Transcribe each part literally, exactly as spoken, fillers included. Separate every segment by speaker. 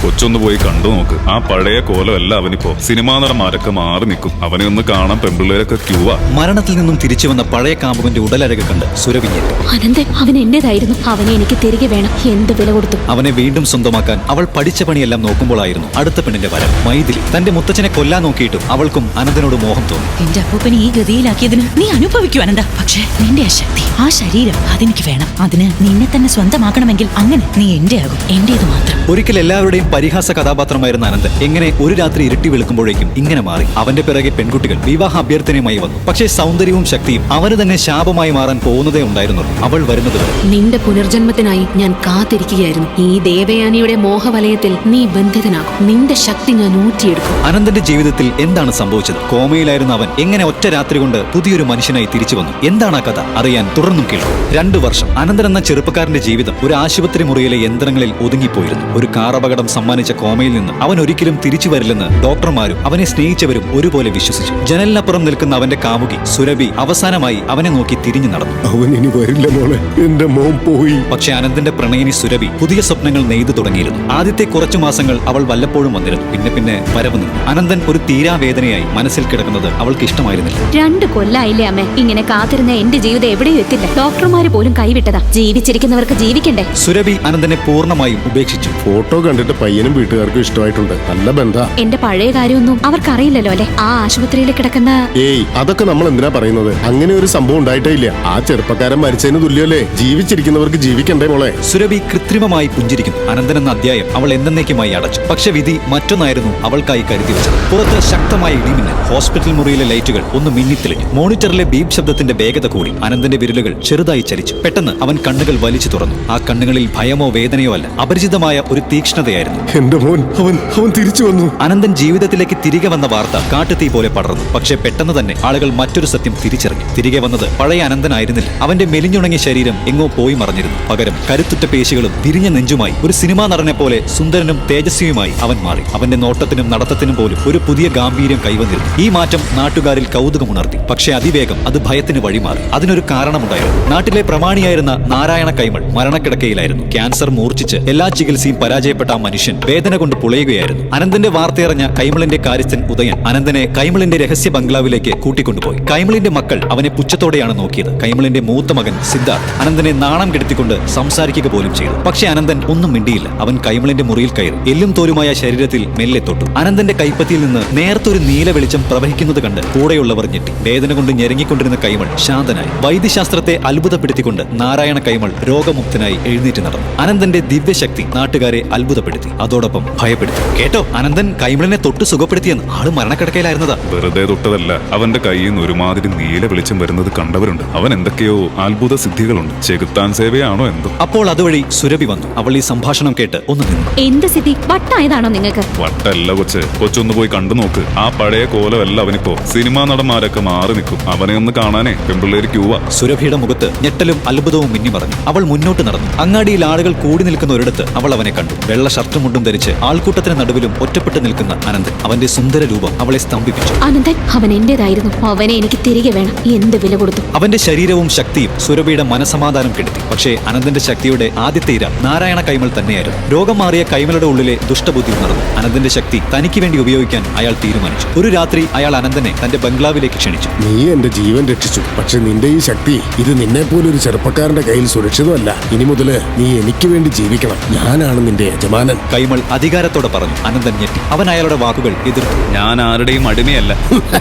Speaker 1: കൊച്ചൊന്ന് പോയി കണ്ടു നോക്ക്. ആ പഴയ കോലമല്ല അവനിപ്പോ. സിനിമാ നടന്മാരൊക്കെ മാറി നിൽക്കും. അവനെ ഒന്ന് കാണാൻ പെൺപിള്ളേരൊക്കെ ക്യൂവാ.
Speaker 2: മരണത്തിൽ നിന്നും തിരിച്ചു വന്ന പഴയ കാമുകന്റെ ഉടലരക കണ്ട് സുരഭി ഞെട്ടി.
Speaker 3: അനന്തൻ അവൻ എന്റേതായിരുന്നു. അവനെ എനിക്ക് തിരികെ വേണം. എന്ത് വില കൊടുത്തു.
Speaker 2: അവനെ വീണ്ടും സ്വന്തമാക്കാൻ അവൾ പഠിച്ച പണിയെല്ലാം നോക്കുമ്പോഴായിരുന്നു അടുത്ത പെണ്ണിന്റെ വരം. മൈഥിലി. തന്റെ മുത്തച്ഛനെ കൊല്ലാൻ നോക്കിയിട്ടും അവൾക്കും അനന്തനോട് മോഹം തോന്നി.
Speaker 4: എന്റെ അപ്പൂപ്പനെ ഈ ഗതിയിലാക്കിയതിന് നീ അനുഭവിക്കൂ അനന്ത. പക്ഷേ നിന്റെ ആ ശക്തി, ആ ശരീരം അതെനിക്ക് വേണം. അതിന് നിന്നെ തന്നെ സ്വന്തമാക്കണമെങ്കിൽ അങ്ങനെ നീ എന്റെ ആകും. എന്റേത് മാത്രം.
Speaker 2: ഒരിക്കൽ എല്ലാവരുടെയും പരിഹാസ കഥാപാത്രമായിരുന്ന അനന്തൻ എങ്ങനെ ഒരു രാത്രി ഇരുട്ടി വെളുക്കുമ്പോഴേക്കും ഇങ്ങനെ മാറി. അവന്റെ പിറകെ പെൺകുട്ടികൾ വിവാഹ അഭ്യർത്ഥനയുമായി വന്നു. പക്ഷേ സൗന്ദര്യവും ശക്തിയും അവന് തന്നെ ശാപമായി മാറാൻ പോകുന്നതേ ഉണ്ടായിരുന്നുള്ളൂ. അവൾ വരുന്നത് വരെ.
Speaker 3: നിന്റെ പുനർജന്മത്തിനായി ഞാൻ കാത്തിരിക്കുകയായിരുന്നു. ഈ ദേവയാനിയുടെ മോഹവലയത്തിൽ നീ ബന്ധിതനാകും. നിന്റെ ശക്തി ഞാൻ ഊറ്റിയെടുക്കും.
Speaker 2: അനന്തന്റെ ജീവിതത്തിൽ എന്താണ് സംഭവിച്ചത്? കോമയിലായിരുന്ന അവൻ എങ്ങനെ ഒറ്റ രാത്രി കൊണ്ട് പുതിയൊരു മനുഷ്യനായി തിരിച്ചു വന്നു? എന്താണ് ആ കഥ? അറിയാൻ തുടർന്നും കേൾക്കും. രണ്ടു വർഷം അനന്തൻ എന്ന ചെറുപ്പക്കാരന്റെ ജീവിതം ഒരു ആശുപത്രി മുറിയിലെ യന്ത്രങ്ങളിൽ ഒതുങ്ങിപ്പോയിരുന്നു. ഒരു കാർ അപകടം സമ്മാനിച്ച കോമയിൽ നിന്ന് അവൻ ഒരിക്കലും തിരിച്ചു വരില്ലെന്ന് ഡോക്ടർമാരും അവനെ സ്നേഹിച്ചവരും ഒരുപോലെ വിശ്വസിച്ചു. ജനലിനപ്പുറം നിൽക്കുന്ന അവന്റെ കാമുകി സുരഭി അവസാനമായി അവനെ നോക്കി തിരിഞ്ഞു നടന്നു.
Speaker 5: അവൻ ഇനി വരില്ല മോളെ, എന്റെ മോൻ പോയി.
Speaker 2: പക്ഷെ അനന്തന്റെ പ്രണയിനി സുരഭി പുതിയ സ്വപ്നങ്ങൾ നെയ്തു തുടങ്ങിയിരുന്നു. ആദ്യത്തെ കുറച്ചു മാസങ്ങൾ അവൾ വല്ലപ്പോഴും വന്നിരുന്നു. പിന്നെ പിന്നെ വരവ് നിന്നു. അനന്തൻ ഒരു തീരാവേദനയായി മനസ്സിൽ കിടക്കുന്നത് അവൾക്ക് ഇഷ്ടമായിരുന്നില്ല.
Speaker 3: രണ്ട് കൊല്ലായില്ലേ അമ്മേ ഇങ്ങനെ കാത്തിരുന്ന എന്റെ ജീവിതം എവിടെയും എത്തില്ല. ഡോക്ടർമാര് പോലും കൈവിട്ടതാ. ജീവിച്ചിരിക്കുന്നവർക്ക് ജീവിക്കണ്ടേ.
Speaker 2: സുരഭി അനന്തനെ പൂർണ്ണമായും ഉപേക്ഷിച്ചു.
Speaker 5: ഫോട്ടോ കണ്ടിട്ട് പയ്യനും വീട്ടുകാർക്കും ഇഷ്ടമായിട്ടുണ്ട്. നല്ല ബന്ധ.
Speaker 3: എന്റെ പഴയ കാര്യമൊന്നും അവർക്കറിയില്ലല്ലോ അല്ലെ. ആ ആശുപത്രിയിൽ കിടക്കുന്ന
Speaker 5: ഏയ് അതൊക്കെ നമ്മൾ എന്തിനാ പറയുന്നത്? അങ്ങനെ ഒരു സംഭവം ഉണ്ടായിട്ടേ ഇല്ല. ആ ചെറുപ്പക്കാരൻ മരിച്ചതിന് തുല്യല്ലേ. ജീവിച്ചിരിക്കുന്നവർക്ക് ജീവിക്കണ്ടേ മോളെ.
Speaker 2: സുരഭി കൃത്രിമമായി പുഞ്ചിരിക്കുന്നു. അനന്തൻ എന്ന അധ്യായം അവൾ എന്നേക്കുമായി അടച്ചു. പക്ഷെ വിധി മറ്റൊന്നായിരുന്നു അവൾക്കായി കരുതി വെച്ചത്. പുറത്ത് ശക്തമായ ഇടിമിന്നൽ. ഹോസ്പിറ്റൽ മുറിയിലെ ലൈറ്റുകൾ ഒന്ന് മിന്നിത്തെളിഞ്ഞു. മോണിറ്ററിലെ ബീപ് ശബ്ദത്തിന്റെ വേഗത കൂടി. അനന്തന്റെ വിരലുകൾ ചെറുതായി ചലിച്ചു. പെട്ടെന്ന് അവൻ കണ്ണുകൾ വലിച്ചു തുറന്നു. ആ കണ്ണുകളിൽ ഭയമോ വേദനയോ അല്ല, അപരിചിതമായ ഒരു തീക്ഷ്ണതയായിരുന്നു.
Speaker 5: എന്റെ മോൻ അവൻ അവൻ തിരിച്ചു വന്നു.
Speaker 2: അനന്തൻ ജീവിതത്തിലേക്ക് തിരികെ വന്ന വാർത്ത കാട്ടുതീ പോലെ പടർന്നു. പക്ഷെ പെട്ടെന്ന് തന്നെ ആളുകൾ മറ്റൊരു സത്യം തിരിച്ചറിഞ്ഞു. തിരികെ വന്നത് പഴയ അനന്തനായിരുന്നില്ല. അവന്റെ മെലിഞ്ഞുണങ്ങിയ ശരീരം എങ്ങോ പോയി മറഞ്ഞിരുന്നു. പകരം കരുത്തുറ്റ പേശികളും വിരിഞ്ഞ നെഞ്ചുമായി ഒരു സിനിമാ നടനെ പോലെ സുന്ദരനും തേജസ്വിയുമായി അവൻ മാറി. അവന്റെ നോട്ടത്തിനും നടത്തത്തിനും പോലും ഒരു പുതിയ ഗാംഭീര്യം കൈവന്നിരുന്നു. ഈ മാറ്റം നാട്ടുകാരിൽ കൗതുകമുണർത്തി. പക്ഷെ അതിവേഗം അത് ഭയത്തിന് വഴിമാറി. അതിനൊരു കാരണമുണ്ടായിരുന്നു. നാട്ടിലെ പ്രമാണിയായിരുന്ന നാരായണ കൈമൾ മരണക്കിടക്കയിലായിരുന്നു. ക്യാൻസർ മൂർച്ഛിച്ച് എല്ലാ ചികിത്സയും പരാജയപ്പെട്ട ആ മനുഷ്യൻ വേദന കൊണ്ട് പുളയുകയായിരുന്നു. അനന്തന്റെ വാർത്തയറിഞ്ഞ കൈമളിന്റെ കാര്യസ്ഥൻ ഉദയൻ അനന്തനെ കൈമളിന്റെ രഹസ്യ ബംഗ്ലാവിലേക്ക് കൂട്ടിക്കൊണ്ടുപോയി. കൈമളിന്റെ മക്കൾ അവനെ പുച്ഛത്തോടെയാണ് നോക്കിയത്. കൈമളിന്റെ മൂത്ത മകൻ സിദ്ധാർത്ഥ് അനന്തനെ നാണം കെടുത്തിക്കൊണ്ട് സംസാരിക്കുക പോലും ചെയ്തു. പക്ഷെ അനന്തൻ ഒന്നും മിണ്ടിയില്ല. അവൻ കൈമളിന്റെ മുറിയിൽ കയറി എല്ലും തോലുമായ ശരീരത്തിൽ മെല്ലെ തൊട്ടു. അനന്തന്റെ കൈപ്പത്തിയിൽ നിന്ന് നേർത്തൊരു നീല വെളിച്ചം പ്രവഹിക്കുന്നത് കണ്ട് കൂടെയുള്ളവർ ഞെട്ടി. വേദന കൊണ്ട് ഞെരങ്ങിക്കൊണ്ടിരുന്ന കൈമൾ ശാന്തനായി. വൈദ്യശാസ്ത്രത്തെ അത്ഭുതപ്പെടുത്തിക്കൊണ്ട് നാരായണ കൈമൾ രോഗമുക്തനായി എഴുന്നേറ്റ് നടന്നു. അനന്തന്റെ ദിവ്യശക്തി നാട്ടുകാരെ അത്ഭുതപ്പെടുത്തി, അതോടൊപ്പം ഭയപ്പെടുത്തി. കേട്ടോ, അനന്തൻ കൈമളിനെ തൊട്ട് സുഖപ്പെടുത്തിയെന്ന്. ആള് മരണക്കിടക്കയിലായിരുന്നതാ.
Speaker 1: വെറുതെ തൊട്ടതല്ല. അവന്റെ കയ്യിൽ നിന്ന് ഒരുമാതിരി നീല വെളിച്ചം വരുന്നത് കണ്ടവരുണ്ട്. അവൻ എന്തൊക്കെയോ അത്ഭുത സിദ്ധികളുണ്ട്. ചെകുത്താൻ സേവയാണോ എന്തോ.
Speaker 2: അപ്പോൾ അതുവഴി സുരഭി വന്നു. അവൾ ഈ സംഭാഷണം കേട്ട് ഒന്ന് നിന്നു.
Speaker 3: എന്ത് സ്ഥിതി? വട്ടായതാണോ നിങ്ങൾക്ക്?
Speaker 1: വട്ടല്ല കൊച്ച്. കൊച്ചൊന്ന് പോയി കണ്ടു നോക്ക്. ആ പഴയ കോലമല്ല അവനിപ്പോ. സിനിമാ നടന്മാരൊക്കെ മാറി നിൽക്കും. അവനെ ഒന്ന് കാണാനേ പെൺപിള്ളേര് ക്യൂവാ.
Speaker 2: സുരഭിയുടെ മുഖത്ത് ഞെട്ടലും അത്ഭുതവും മിന്നി മറഞ്ഞു. അവൾ മുന്നോട്ട് നടന്നു. അങ്ങാടിയിൽ ആളുകൾ കൂടി നിൽക്കുന്ന ഒരിടത്ത് അവൾ അവനെ കണ്ടു. വെള്ള ഷർട്ടും മുണ്ടും ധരിച്ച് ആൾക്കൂട്ടത്തിന് നടുവിലും ഒറ്റപ്പെട്ട് നിൽക്കുന്ന അനന്തൻ. അവന്റെ സുന്ദര രൂപം അവളെ സ്തംഭിപ്പിച്ചു.
Speaker 3: അനന്തൻ അവൻ എന്റേതായിരുന്നു. അവനെ എനിക്ക് തിരികെ വേണം. എന്ത് വില കൊടുത്തു.
Speaker 2: അവന്റെ ശരീരവും ശക്തിയും സുരഭിയുടെ മനസമാധാനം കെടുത്തി. പക്ഷേ അനന്തന്റെ ശക്തിയുടെ ആദ്യത്തെ ഇര നാരായണ കൈമൾ തന്നെയായിരുന്നു. രോഗം മാറിയ കൈമളുടെ ഉള്ളിലെ ദുഷ്ടബുദ്ധി ഉണർന്നു. അനന്തന്റെ ശക്തി തനിക്ക് വേണ്ടി ഉപയോഗിക്കാൻ അയാൾ തീരുമാനിച്ചു. ഒരു രാത്രി അയാൾ അനന്തനെ തന്റെ ബംഗ്ലാവിലേക്ക് ക്ഷണിച്ചു.
Speaker 5: നീ എന്റെ ജീവൻ രക്ഷിച്ചു. പക്ഷെ നിന്റെ ഈ ശക്തി ഇത് നിന്നെ പോലെ ഒരു ചെറുപ്പക്കാരന്റെ കയ്യിൽ സുരക്ഷിതമല്ല. ഇനി മുതല് നീ എനിക്ക് വേണ്ടി ജീവിക്കണം. ഞാനാണ് നിന്റെ യജമാനൻ.
Speaker 2: കൈമൾ അധികാരത്തോടെ പറഞ്ഞു. അനന്തൻ ഞെട്ടി. അവൻ അയാളുടെ വാക്കുകൾ എതിർത്തു.
Speaker 1: ഞാൻ ആരുടെയും അടിമയല്ല.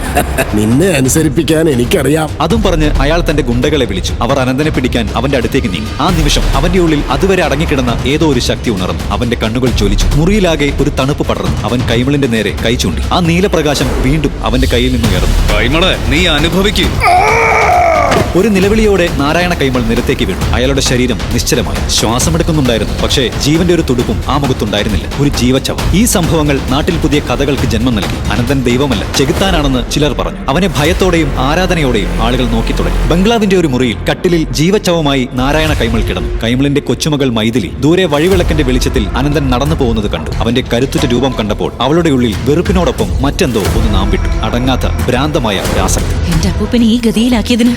Speaker 5: നിന്നെ അനുസരിപ്പിക്കാൻ എനിക്കറിയാം.
Speaker 2: അതും പറഞ്ഞ് അയാൾ തന്റെ ഗുണ്ടകളെ വിളിച്ചു. അവർ അനന്തനെ പിടിക്കാൻ അവന്റെ അടുത്തേക്ക് നീങ്ങി. ആ നിമിഷം അവന്റെ ഉള്ളിൽ അതുവരെ അടങ്ങിക്കിടന്ന ഏതോ ഒരു ശക്തി ഉണർന്നു. അവന്റെ കണ്ണുകൾ ജ്വലിച്ചു. മുറിയിലാകെ ഒരു തണുപ്പ് പടർന്നു. അവൻ കൈമളിന്റെ നേരെ കൈ ചൂണ്ടി. ആ നീലപ്രകാശം വീണ്ടും അവന്റെ കയ്യിൽ നിന്ന് ഉയർന്നു.
Speaker 1: കൈമളെ, നീ അനുഭവിക്കും.
Speaker 2: ഒരു നിലവിളിയോടെ നാരായണ കൈമൾ നിലത്തേക്ക് വീണു. അയാളുടെ ശരീരം നിശ്ചലമായി. ശ്വാസമെടുക്കുന്നുണ്ടായിരുന്നു. പക്ഷേ ജീവന്റെ ഒരു തുടുപ്പും ആ മുഖത്തുണ്ടായിരുന്നില്ല. ഒരു ജീവച്ചവം. ഈ സംഭവങ്ങൾ നാട്ടിൽ പുതിയ കഥകൾക്ക് ജന്മം നൽകി. അനന്തൻ ദൈവമല്ല, ചെകുത്താനാണെന്ന് ചിലർ പറഞ്ഞു. അവനെ ഭയത്തോടെയും ആരാധനയോടെയും ആളുകൾ നോക്കി തുടങ്ങി. ബംഗ്ലാവിന്റെ ഒരു മുറിയിൽ കട്ടിലിൽ ജീവച്ചവമായി നാരായണ കൈമൾ കിടന്നു. കൈമളിന്റെ കൊച്ചുമകൾ മൈഥിലി ദൂരെ വഴിവിളക്കിന്റെ വെളിച്ചത്തിൽ അനന്തൻ നടന്നു പോകുന്നത് കണ്ടു. അവന്റെ കരുത്തുറ്റ രൂപം കണ്ടപ്പോൾ അവളുടെ ഉള്ളിൽ വെറുപ്പിനോടൊപ്പം മറ്റെന്തോ ഒന്ന് നാമ്പിട്ടു. അടങ്ങാത്ത ഭ്രാന്തമായ ആസക്തി.
Speaker 4: എന്റെ അപ്പൂപ്പനെ ഈ ഗതിയിലാക്കിയതിന് നീ അനുഭവിക്കും.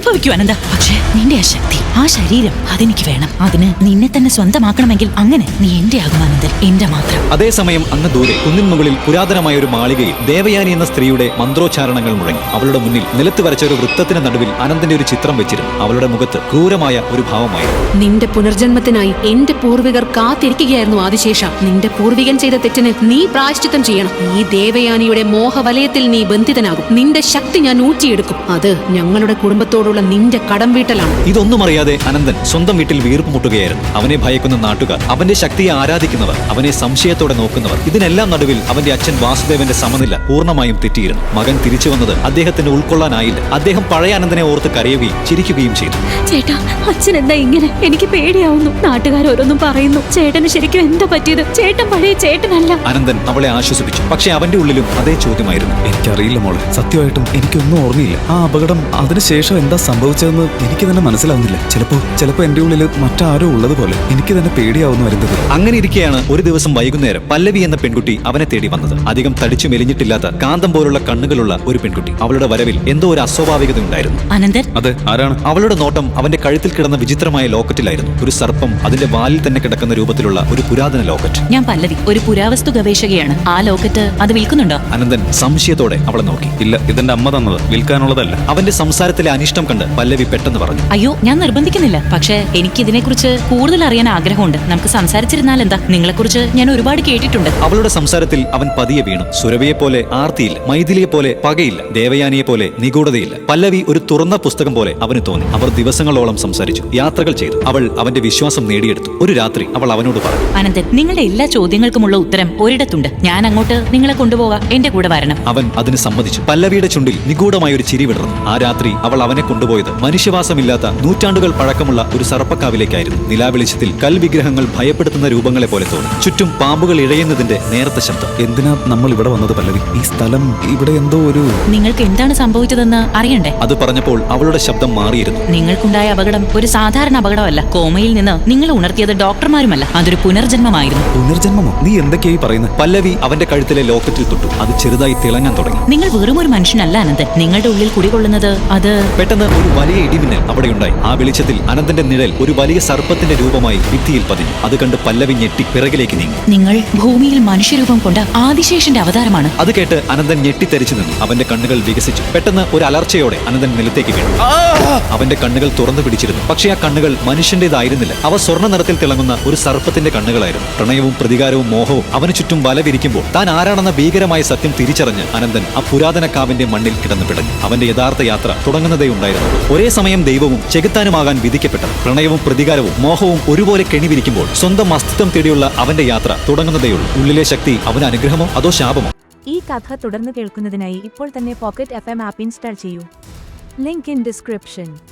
Speaker 4: അനുഭവിക്കൂ അനന്ത. പക്ഷേ നിന്റെ ആ ശക്തി, ആ ശരീരം അതെനിക്ക് വേണം. അതിന് നിന്നെ തന്നെ സ്വന്തമാക്കണമെങ്കിൽ അങ്ങനെ നീ എന്റെ ആകും അനന്തൻ, എന്റെ മാത്രം.
Speaker 2: അതേസമയം അങ്ങ് ദൂരെ കുന്നിൻ മുകളിൽ പുരാതനമായ ഒരു മാളികയിൽ ദേവയാനി എന്ന സ്ത്രീയുടെ മന്ത്രോച്ചാരണങ്ങൾ മുഴങ്ങി. അവളുടെ മുന്നിൽ നിലത്ത് വരച്ച ഒരു വൃത്തത്തിന് നടുവിൽ അനന്തന്റെ ഒരു ചിത്രം വെച്ചിരുന്നു. അവളുടെ മുഖത്ത് ക്രൂരമായ ഒരു ഭാവമായിരുന്നു.
Speaker 3: നിന്റെ പുനർജന്മത്തിനായി എന്റെ പൂർവികർ കാത്തിരിക്കുകയായിരുന്നു ആദിശേഷ. നിന്റെ പൂർവികൻ ചെയ്ത തെറ്റിന് നീ പ്രായശ്ചിത്തം ചെയ്യണം. ഈ ദേവയാനിയുടെ മോഹവലയത്തിൽ നീ ബന്ധിതനാകും. നിന്റെ ശക്തി ഞാൻ ഊറ്റിയെടുക്കും. അത് ഞങ്ങളുടെ കുടുംബത്തോടുള്ള നിന്റെ കടം വീട്ടലാണ്.
Speaker 2: ഇതൊന്നും അറിയാതെ അനന്തൻ സ്വന്തം വീട്ടിൽ വീർപ്പ് മുട്ടുകയായിരുന്നു. അവനെ ഭയക്കുന്ന നാട്ടുകാർ, അവന്റെ ശക്തിയെ ആരാധിക്കുന്നവർ, അവനെ സംശയത്തോടെ നോക്കുന്നവർ, ഇതിനെല്ലാം നടുവിൽ അവന്റെ അച്ഛൻ വാസുദേവന്റെ സമനില പൂർണ്ണമായും തെറ്റിയിരുന്നു. മകൻ തിരിച്ചു വന്നത് അദ്ദേഹത്തിന് ഉൾക്കൊള്ളാനായില്ല. അദ്ദേഹം പഴയ അനന്തനെ ഓർത്ത് കരയുകയും ചിരിക്കുകയും ചെയ്തു.
Speaker 6: ചേട്ടാ, അച്ഛൻ എന്താ ഇങ്ങനെ? എനിക്ക് പേടിയാവുന്നു. നാട്ടുകാർ ഓരോന്നും പറയുന്നു. ചേട്ടന് ശരിക്കും എന്താ പറ്റിയത്? ചേട്ടൻ പഴയ ചേട്ടനല്ല.
Speaker 2: അനന്തൻ അവളെ ആശ്വസിപ്പിച്ചു. പക്ഷെ അവന്റെ ഉള്ളിലും അതേ ചോദ്യമായിരുന്നു.
Speaker 1: എനിക്കറിയില്ല മോളെ, സത്യമായിട്ടും എനിക്കൊന്നും ഓർമ്മയില്ല. ആ അപകടം അതിനുശേഷം എന്താ സംഭവിച്ചതെന്ന് എനിക്ക് തന്നെ മനസ്സിലാവുന്നില്ല. ചിലപ്പോ ചിലപ്പോ എന്റെ ഉള്ളിൽ മറ്റാരോ ഉള്ളതുപോലെ എനിക്ക് തന്നെ പേടിയാവുന്നു വരുന്നത്.
Speaker 2: അങ്ങനെ ഇരിക്കെയാണ് ഒരു ദിവസം വൈകുന്നേരം പല്ലവി എന്ന പെൺകുട്ടി അവനെ തേടി വന്നത്. അധികം തടിച്ചു മെലിഞ്ഞിട്ടില്ലാത്ത കാന്തം പോലുള്ള കണ്ണുകളുള്ള ഒരു പെൺകുട്ടി. അവളുടെ വരവിൽ എന്തോ ഒരു അസ്വാഭാവികത ഉണ്ടായിരുന്നു.
Speaker 4: അനന്തൻ,
Speaker 1: അതെ, ആരാണ്?
Speaker 2: അവളുടെ നോട്ടം അവന്റെ കഴുത്തിൽ കിടന്ന വിചിത്രമായ ലോക്കറ്റിലായിരുന്നു. ഒരു സർപ്പം അതിന്റെ വാലിൽ തന്നെ കിടക്കുന്ന രൂപത്തിലുള്ള ഒരു പുരാതന ലോക്കറ്റ്.
Speaker 4: ഞാൻ പല്ലവി, ഒരു പുരാവസ്തു ഗവേഷകയാണ്. ആ ലോക്കറ്റ് അത് വിൽക്കുന്നുണ്ടോ?
Speaker 2: അനന്തൻ സംശയത്തോടെ അവളെ നോക്കി.
Speaker 1: ഇല്ല, ഇതെന്റെ അമ്മ തന്നത്, വിൽക്കാനുള്ളതല്ല.
Speaker 2: അവന്റെ സംസാരത്തിലെ അനിഷ്ടം കണ്ട് പല്ലവി പെട്ടെന്ന് പറഞ്ഞു.
Speaker 4: അയ്യോ, ഞാൻ നിർബന്ധിക്കുന്നില്ല. പക്ഷേ എനിക്ക് ഇതിനെക്കുറിച്ച് കൂടുതൽ അറിയാൻ ആഗ്രഹമുണ്ട്. നമുക്ക് സംസാരിച്ചിരുന്നാൽ എന്താ? നിങ്ങളെക്കുറിച്ച് ഞാൻ ഒരുപാട് കേട്ടിട്ടുണ്ട്.
Speaker 2: അവളുടെ സംസാരത്തിൽ അവൻ പതിയെ വീണു. സുരഭിയെ പോലെ ആർത്തിയില്ല, മൈഥിലിയെ പോലെ പകയില്ല, ദേവയാനിയെ പോലെ നിഗൂഢതയില്ല. പല്ലവി ഒരു തുറന്ന പുസ്തകം പോലെ അവന് തോന്നി. അവർ ദിവസങ്ങളോളം സംസാരിച്ചു, യാത്രകൾ ചെയ്തു. അവൾ അവന്റെ വിശ്വാസം നേടിയെടുത്തു. ഒരു രാത്രി അവൾ അവനോട് പറഞ്ഞു.
Speaker 4: അനന്തൻ, നിങ്ങളുടെ എല്ലാ ചോദ്യങ്ങൾക്കുമുള്ള ഉത്തരം ഒരിടത്തുണ്ട്. ഞാൻ അങ്ങോട്ട് നിങ്ങളെ കൊണ്ടുപോകാം. എന്റെ കൂടെ വരണം.
Speaker 2: അവൻ അതിന് സമ്മതിച്ചു. പല്ലവിയുടെ ചുണ്ടിൽ നിഗൂഢമായ ഒരു ചിരി വിടർന്നു. ആ രാത്രി അവൾ അവനെ കൊണ്ടുപോയത് മനുഷ്യവാസമില്ലാത്ത നൂറ്റാണ്ടുകൾ പഴക്കമുള്ള ഒരു സർപ്പക്കാവിലേക്കായിരുന്നു. നിലാവെളിച്ചത്തിൽ കൽവിഗ്രഹങ്ങൾ ഭയപ്പെടുത്തുന്ന രൂപങ്ങളെ പോലെ തോന്നി. ചുറ്റും പാമ്പുകൾ ഇഴയുന്നതിന്റെ നേരത്തെ ശബ്ദം.
Speaker 1: എന്തിനാ നമ്മൾ ഇവിടെ വന്നത് പല്ലവി? ഈ സ്ഥലം, ഇവിടെ എന്തോ ഒരു...
Speaker 4: നിങ്ങൾക്ക് എന്താണ് സംഭവിച്ചതെന്ന് അറിയണ്ടേ?
Speaker 2: അത് പറഞ്ഞപ്പോൾ അവളുടെ ശബ്ദം മാറിയിരുന്നു.
Speaker 4: നിങ്ങൾക്കുണ്ടായ അപകടം ഒരു സാധാരണ അപകടമല്ല. കോമയിൽ നിന്ന് നിങ്ങൾ ഉണർത്തിയത് ഡോക്ടർമാരുമല്ല, അതൊരു പുനർജന്മമായിരുന്നു.
Speaker 1: പുനർജന്മമോ? നീ എന്തൊക്കെയായി പറയുന്നത്?
Speaker 2: പല്ലവി അവന്റെ കഴുത്തിലെ ലോക്കറ്റിൽ തൊട്ടു. അത് ചെറുതായി തിളങ്ങാൻ തുടങ്ങി.
Speaker 4: നിങ്ങൾ വെറും ഒരു മനുഷ്യനല്ല അനന്തൻ. നിങ്ങളുടെ ഉള്ളിൽ കുടികൊള്ളുന്നത് അത്...
Speaker 2: പെട്ടെന്ന് ഒരു വലിയ ഇടിമിന്നൽ അവിടെയുണ്ടായി. ആ വെളിച്ചത്തിൽ അനന്തന്റെ നിഴൽ ഒരു വലിയ സർപ്പത്തിന്റെ രൂപമായി ഭിത്തിയിൽ പതിഞ്ഞു. അത് കണ്ട് പല്ലവി ഞെട്ടി പിറകിലേക്ക് നീങ്ങി.
Speaker 4: നിങ്ങൾ ഭൂമിയിൽ മനുഷ്യരൂപം കൊണ്ട ആദിശേഷന്റെ അവതാരമാണ്.
Speaker 2: അത് കേട്ട് അനന്തൻ ഞെട്ടിത്തെറിച്ചു നിന്നു. അവന്റെ കണ്ണുകൾ വികസിച്ചു. പെട്ടെന്ന് ഒരു അലർച്ചയോടെ അനന്തൻ നിലത്തേക്ക് വീണു. അവന്റെ കണ്ണുകൾ തുറന്നു പിടിച്ചിരുന്നു. പക്ഷേ ആ കണ്ണുകൾ മനുഷ്യന്റേതായിരുന്നില്ല. അവ സ്വർണ്ണ നിറത്തിൽ തിളങ്ങുന്ന ഒരു സർപ്പത്തിന്റെ കണ്ണുകളായിരുന്നു. പ്രണയവും പ്രതികാരവും മോഹവും അവന് ചുറ്റും വലവിരിക്കുമ്പോൾ താൻ ആരാണെന്ന ഭീകരമായ സത്യം തിരിച്ചറിഞ്ഞ് അനന്തൻ ആ പുരാതന കാവിന്റെ മണ്ണിൽ കിടന്നു പിടഞ്ഞു. അവന്റെ യഥാർത്ഥ യാത്ര തുടങ്ങുന്നതേ ഉണ്ടായിരുന്നു. ഒരേ സമയം ദൈവവും ചെകുത്താനുമാകാൻ വിധിക്കപ്പെട്ടത്. പ്രണയവും പ്രതികാരവും മോഹവും ഒരുപോലെ കെണിവിരിക്കുമ്പോൾ സ്വന്തം അസ്തിത്വം തേടിയുള്ള അവന്റെ യാത്ര തുടങ്ങുന്നതേയുള്ളൂ. ഉള്ളിലെ ശക്തി അവന് അനുഗ്രഹമോ അതോ ശാപമോ?
Speaker 7: ഈ കഥ തുടർന്ന് കേൾക്കുന്നതിനായി ഇപ്പോൾ തന്നെ pocket F M app install ചെയ്യൂ. Link in description.